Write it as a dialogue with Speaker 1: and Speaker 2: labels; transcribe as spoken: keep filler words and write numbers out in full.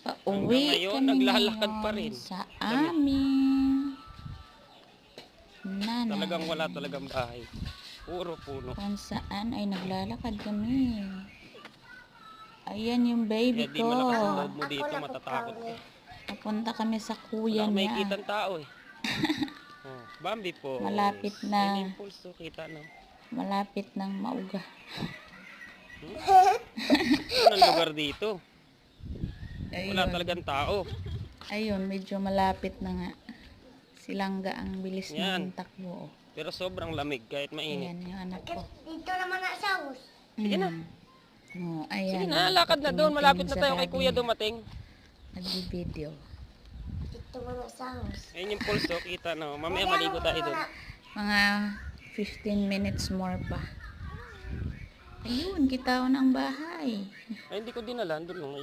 Speaker 1: Pauwi
Speaker 2: ngayon,
Speaker 1: kami
Speaker 2: naglalakad
Speaker 1: ngayon
Speaker 2: pa rin.
Speaker 1: sa
Speaker 2: Kami.
Speaker 1: amin nanay.
Speaker 2: Talagang wala talagang bahay. Puro puno.
Speaker 1: Kung saan ay naglalakad kami. Ayan yung baby
Speaker 2: Kaya di
Speaker 1: ko.
Speaker 2: malakas ang loob mo dito, matatakot ka.
Speaker 1: Papunta kami sa kuya
Speaker 2: Wala kang
Speaker 1: niya.
Speaker 2: makikita ang tao eh. Oh, Bambi po.
Speaker 1: Malapit na.
Speaker 2: Yan yung pulso, kita no.
Speaker 1: Malapit ng mauga.
Speaker 2: Hmm? Anong lugar dito? Wala
Speaker 1: Ayun.
Speaker 2: talagang tao.
Speaker 1: Ayun, medyo malapit na nga. Silangga ang bilis
Speaker 2: Yan.
Speaker 1: ng takbo.
Speaker 2: Pero sobrang lamig kahit mainit.
Speaker 1: Ayan yung anak ko.
Speaker 3: Dito naman na sa house.
Speaker 2: Sige na.
Speaker 1: Oh, ayan.
Speaker 2: Sige na, lakad na doon. Malapit na tayo kay kuya dumating.
Speaker 1: Nag-video.
Speaker 3: Dito naman na sa house.
Speaker 2: Ayun yung pulso, kita no. Mamaya maligo tayo doon.
Speaker 1: Mga fifteen minutes more pa. Ayun, kita ko ng bahay.
Speaker 2: Ay, hindi ko dinala. Doon lang.